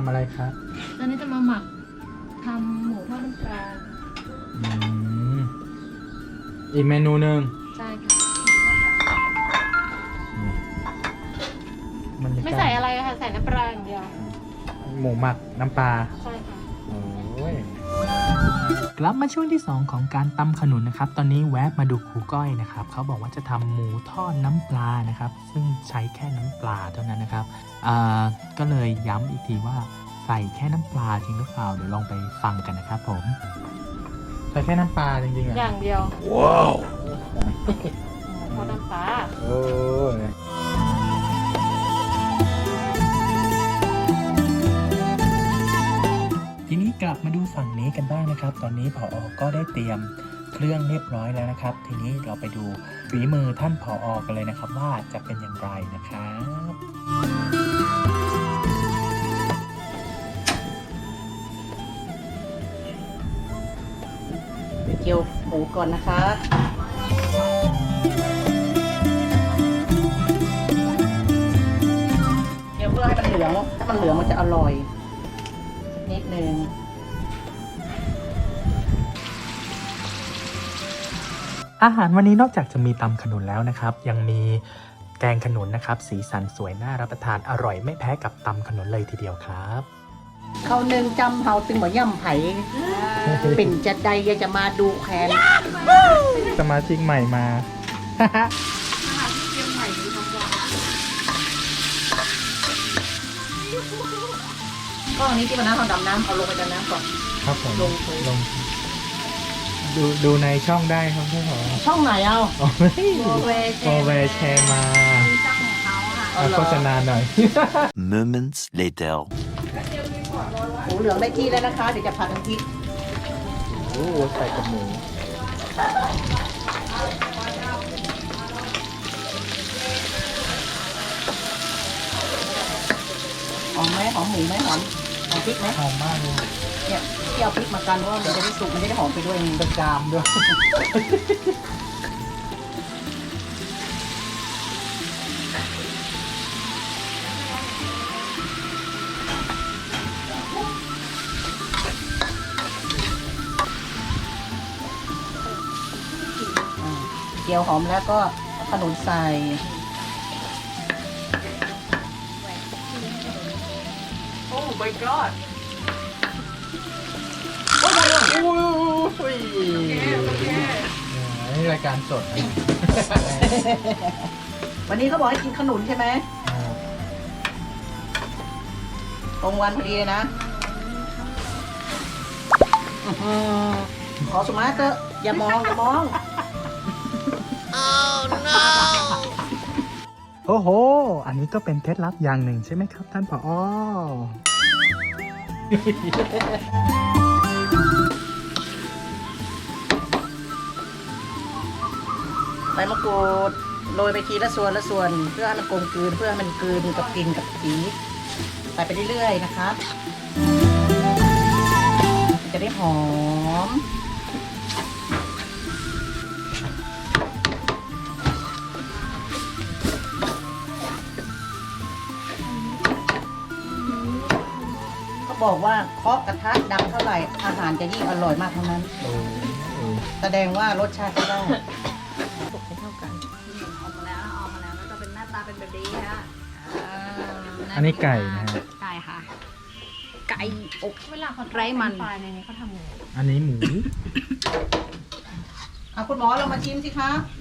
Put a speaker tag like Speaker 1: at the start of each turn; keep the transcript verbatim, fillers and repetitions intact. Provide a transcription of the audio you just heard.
Speaker 1: ำอะไรครับ
Speaker 2: ตอนนี้จะมาหมักทำหมูทอดน้ำปลา
Speaker 1: อืมอีกเมนูหนึ่ง
Speaker 2: ใช่ค่ะ
Speaker 1: บรรยากาศ
Speaker 2: ไม่ใส่อะไรค่ะใส่น้ำปลาอย่างเดียว
Speaker 1: หมูหมักน้ำปลา
Speaker 2: ใช่ค่ะ
Speaker 1: โอ้ยกลับมาช่วงที่สองของการตำขนุนนะครับ ตอนนี้แวะมาดูครูก้อยนะครับเขาบอกว่าจะทำหมูทอดน้ำปลานะครับ ซึ่งใช้แค่น้ำปลาเท่านั้นนะครับอ่าก็เลยย้ำอีกทีว่าใส่แค่น้ำปลาจริงหรือเปล่าเดี๋ยวลองไปฟังกันนะครับผมใส่แค่น้ำปลาจริงๆอ่ะ
Speaker 2: อย่างเดียว
Speaker 1: ว้าว
Speaker 2: หมูทอดน้ำปลา
Speaker 1: โอ้ยทีนี้กลับมาดูฝั่งนี้กันบ้างนะครับ ตอนนี้ผอ.ก็ได้เตรียมเครื่องเรียบร้อยแล้วนะครับ ทีนี้เราไปดูฝีมือท่านผอ.กันเลยนะครับว่าจะเป็นอย่างไรนะครับ
Speaker 3: ไปเจียวหมูก่อนนะคะเจียวเพื่อให้มันเหลืองถ้ามันเหลืองมันจะอร่อยนิดนึง
Speaker 1: อาหารวันนี้นอกจากจะมีตำขนุนแล้วนะครับ ยังมีแกงขนุนนะครับ สีสันสวยน่ารับประทานอร่อยไม่แพ้กับตำขนุนเลยทีเดียวครับ
Speaker 3: เขาหนึ่งจำเฮาตึงเหมือนย่ำไผ่เป็นจะใดอยากจะมาดูแคน
Speaker 1: สมาชิกใหม่มา
Speaker 3: ก็อันนี้ที่วันนั้นเขาดำน้ำเอาลงไปดำน้ำก่อน
Speaker 1: ครับผม
Speaker 3: ลงไป
Speaker 1: ลงดูดูในช่องได้ครับพี่ผอ.
Speaker 3: ช่องไหนเอา
Speaker 1: อ๋อไม่
Speaker 2: โอเว
Speaker 1: โอเวแชร์มา
Speaker 2: เจ้าของเขาค่ะ
Speaker 3: เอา
Speaker 1: เอา
Speaker 3: เหรอ
Speaker 1: โฆษณาหน่อย
Speaker 4: Moments later.
Speaker 3: หมูเหลืองได้ที่แล้วนะคะ เดี๋ยวจะผัดน้ำพริก
Speaker 1: โอ้ใส่กับหมู
Speaker 3: หอมไหมหอมหมูไหมหอมหอมพริกไหม
Speaker 1: หอมมากเลย
Speaker 3: เนี่ยที่เอาพริกมากันเพราะว่ามันจะได้สุกมันจะได้หอมไปด้วย
Speaker 1: เป็นจามด้วย
Speaker 3: เจียวหอมแล้วก็เอาขนุนใส่
Speaker 2: โอ้ my god
Speaker 1: โอ้ยนี่รายการสดนะ
Speaker 3: วันนี้เขาบอกให้กินขนุนใช่ไหมตรงวันพอดีเลยนะอื้อหือขอสมาร์ทเถอะอย่ามองอย่ามอง
Speaker 1: โอ้โห อันนี้ก็เป็นเคล็ดลับอย่างหนึ่งใช่ไหมครับท่านผอ.
Speaker 3: ใบมะกรูดโรยไปทีละส่วนละส่วน เพื่อให้มันกลมกลืนเพื่อให้มันกลืนกับกลิ่นกับสีใส่ไปเรื่อยๆนะครับจะได้หอมเขาบอกว่าเคาะกระทะดังเท่าไหร่อาหารจะยิ่งอร่อยมากเท่านั้น
Speaker 1: โอ้โห
Speaker 3: แสดงว่ารสชาติก็ได้
Speaker 2: สุกให้เท่ากัน
Speaker 5: ออกมาแล้วออกมาแล้วแล้วก็เป็นหน้าตาเป็นแบบนี้ค่ะ
Speaker 1: อันนี้ไก่นะฮะ
Speaker 5: ไก่ค่ะ ไก่อบ
Speaker 2: เวลาเขาทอด
Speaker 5: ไร้มัน
Speaker 2: ไฟในนี้เขาทำยังไง
Speaker 1: อันนี้หมู
Speaker 3: อ่ะคุณหมอเรามาชิมสิคะ
Speaker 1: อ